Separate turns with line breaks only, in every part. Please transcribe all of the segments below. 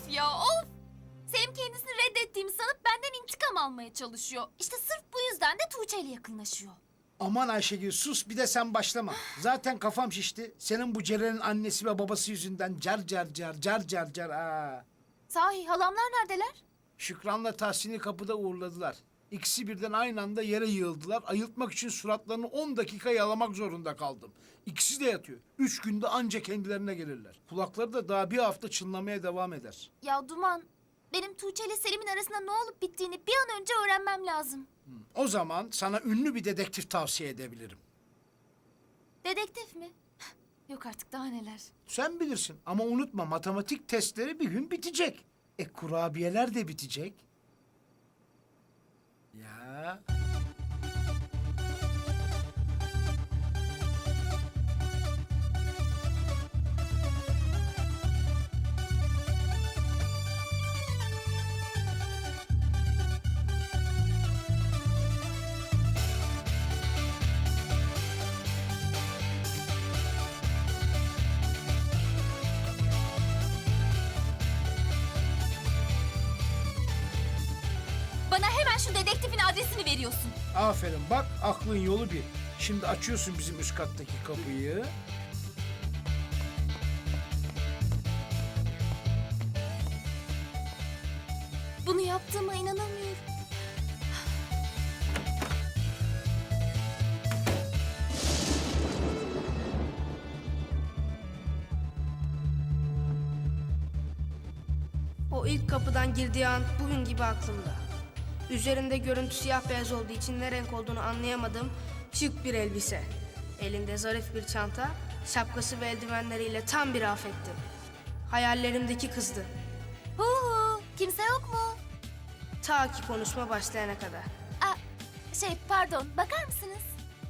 ya, of! Selim kendisini reddettiğimi sanıp benden intikam almaya çalışıyor. İşte sırf bu yüzden de Tuğçe ile yakınlaşıyor.
Aman Ayşegül sus bir de sen başlama. Zaten kafam şişti. Senin bu Ceren'in annesi ve babası yüzünden car car car car car car. Aa.
Sahi halamlar neredeler?
Şükran'la Tahsin'i kapıda uğurladılar. İkisi birden aynı anda yere yığıldılar. Ayıltmak için suratlarını 10 dakika yalamak zorunda kaldım. İkisi de yatıyor. 3 günde anca kendilerine gelirler. Kulakları da daha bir hafta çınlamaya devam eder.
Ya Duman, benim Tuğçe ile Selim'in arasında ne olup bittiğini bir an önce öğrenmem lazım.
O zaman sana ünlü bir dedektif tavsiye edebilirim.
Dedektif mi? Yok artık daha neler.
Sen bilirsin ama unutma matematik testleri bir gün bitecek. Kurabiyeler de bitecek. Ya.
Bana hemen şu dedektifin adresini veriyorsun.
Aferin bak aklın yolu bir. Şimdi açıyorsun bizim üst kattaki kapıyı.
Bunu yaptığıma inanamıyorum.
O ilk kapıdan girdiği an bugün gibi aklımda. Üzerinde görüntü siyah beyaz olduğu için ne renk olduğunu anlayamadığım şık bir elbise. Elinde zarif bir çanta, şapkası ve eldivenleriyle tam bir afetti. Hayallerimdeki kızdı.
Hu hu, kimse yok mu?
Ta ki konuşma başlayana kadar.
Aa, pardon, bakar mısınız?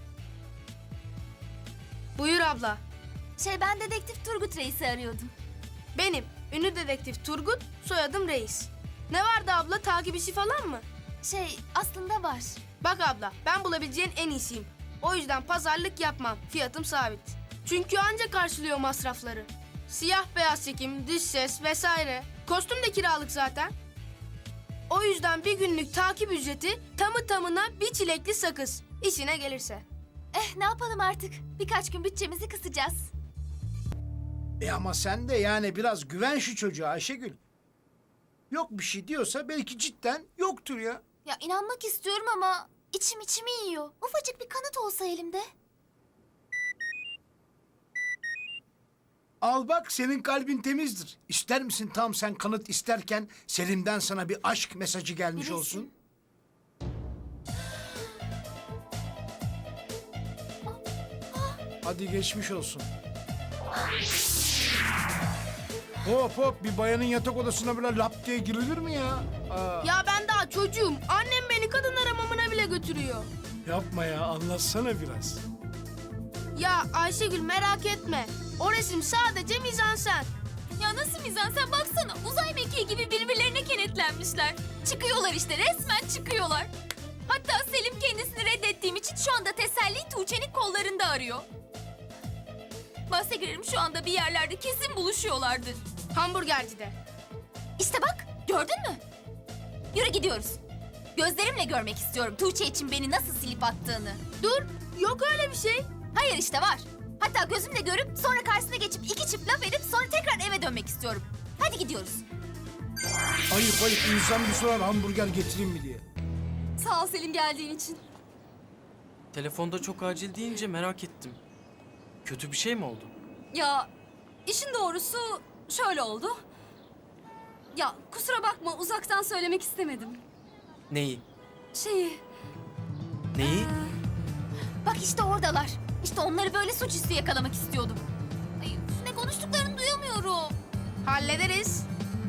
Buyur abla.
Ben dedektif Turgut Reis'i arıyordum.
Benim, ünlü dedektif Turgut, soyadım Reis. Ne vardı abla, takip işi falan mı?
Aslında var.
Bak abla, ben bulabileceğin en iyisiyim. O yüzden pazarlık yapmam, fiyatım sabit. Çünkü anca karşılıyor masrafları. Siyah beyaz çekim, dış ses vesaire. Kostüm de kiralık zaten. O yüzden bir günlük takip ücreti tamı tamına bir çilekli sakız. İşine gelirse.
Ne yapalım artık? Birkaç gün bütçemizi kısacağız.
Ama sen de yani biraz güven şu çocuğa Ayşegül. Yok bir şey diyorsa belki cidden yoktur ya.
Ya inanmak istiyorum ama içimi yiyor. Ufacık bir kanıt olsa elimde.
Al bak senin kalbin temizdir. İster misin tam sen kanıt isterken Selim'den sana bir aşk mesajı gelmiş
Neresi?
olsun? Hadi geçmiş olsun. Hop hop bir bayanın yatak odasına böyle lap diye girilir mi ya? Aa,
Ya ben daha çocuğum. Annem beni kadın aramamına bile götürüyor.
yapma ya anlatsana biraz.
Ya Ayşegül merak etme. O resim sadece mizansen.
Ya nasıl mizansen baksana. Uzay mekiği gibi birbirlerine kenetlenmişler. Çıkıyorlar işte, resmen çıkıyorlar. Hatta Selim kendisini reddettiğim için şu anda teselli Tuğçe'nin kollarında arıyor. Bahse girerim şu anda bir yerlerde kesin buluşuyorlardır.
Hamburgercide.
İşte bak, gördün mü? Yürü gidiyoruz. Gözlerimle görmek istiyorum Tuğçe için beni nasıl silip attığını.
Dur, yok öyle bir şey.
Hayır işte var. Hatta gözümle görüp sonra karşısına geçip iki çift laf edip sonra tekrar eve dönmek istiyorum. Hadi gidiyoruz.
Ayıp insan bir sorar hamburger getireyim mi diye.
Sağ ol Selim geldiğin için.
Telefonda çok acil deyince merak ettim. Kötü bir şey mi oldu?
Ya işin doğrusu şöyle oldu. Ya kusura bakma uzaktan söylemek istemedim.
Neyi?
Şeyi...
Neyi?
Bak işte oradalar. İşte onları böyle suçüstü yakalamak istiyordum. Ay, ne konuştuklarını duyamıyorum.
Hallederiz.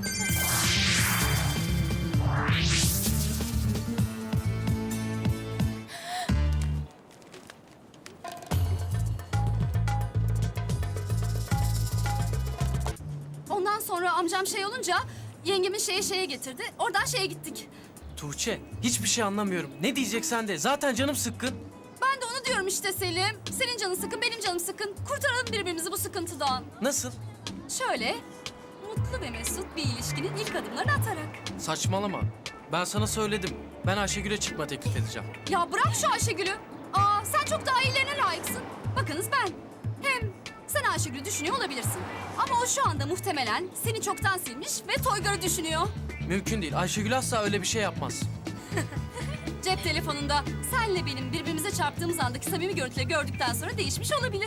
Ondan sonra amcam olunca yengemin şeye getirdi. Oradan gittik.
Tuğçe, hiçbir şey anlamıyorum. Ne diyeceksen de. Zaten canım sıkkın.
Ben de onu diyorum işte Selim. Senin canın sıkın, benim canım sıkın. Kurtaralım birbirimizi bu sıkıntıdan.
Nasıl?
Şöyle,
mutlu ve mesut bir ilişkinin ilk adımlarını atarak.
Saçmalama. Ben sana söyledim. Ben Ayşegül'e çıkma teklif edeceğim.
Ya bırak şu Ayşegül'ü. Aa, sen çok daha iyilerine layıksın. Bakınız ben. Hem sen Ayşegül'ü düşünüyor olabilirsin. Ama o şu anda muhtemelen seni çoktan silmiş ve Toygar'ı düşünüyor.
Mümkün değil. Ayşegül asla öyle bir şey yapmaz.
Cep telefonunda senle benim birbirimize çarptığımız andaki samimi görüntüleri gördükten sonra değişmiş olabilir.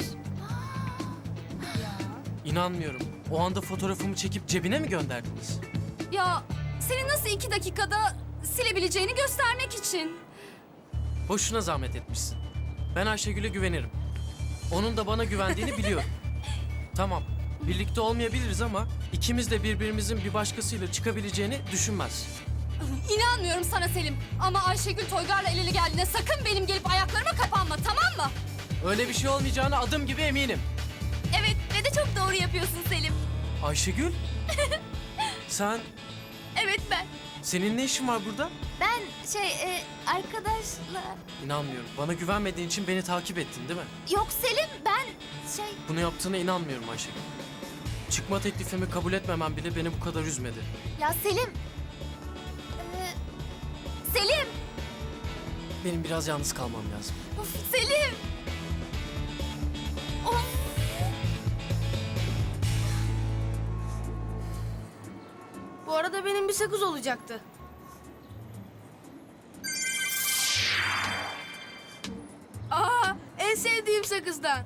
İnanmıyorum. O anda fotoğrafımı çekip cebine mi gönderdiniz?
Ya seni nasıl 2 dakikada silebileceğini göstermek için.
Boşuna zahmet etmişsin. Ben Ayşegül'e güvenirim. Onun da bana güvendiğini biliyorum. Tamam, birlikte olmayabiliriz ama ikimiz de birbirimizin bir başkasıyla çıkabileceğini düşünmez.
İnanmıyorum sana Selim. Ama Ayşegül Toygar'la el ele geldiğinde sakın benim gelip ayaklarıma kapanma, tamam mı?
Öyle bir şey olmayacağına adım gibi eminim.
Evet ve de çok doğru yapıyorsun Selim.
Ayşegül? Sen,
Evet ben.
senin ne işin var burada?
Ben arkadaşla...
İnanmıyorum. Bana güvenmediğin için beni takip ettin değil mi?
Yok Selim ben
Bunu yaptığına inanmıyorum Ayşegül. Çıkma teklifimi kabul etmemen bile beni bu kadar üzmedi.
Ya Selim. Selim.
Benim biraz yalnız kalmam lazım.
Of Selim. Of.
Bu arada benim bir sakız olacaktı. Aa, en sevdiğim sakızdan.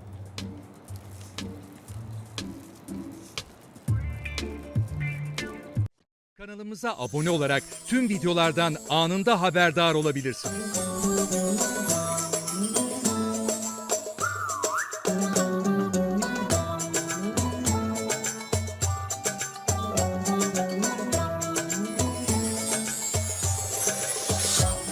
Kanalımıza abone olarak tüm videolardan anında haberdar olabilirsiniz.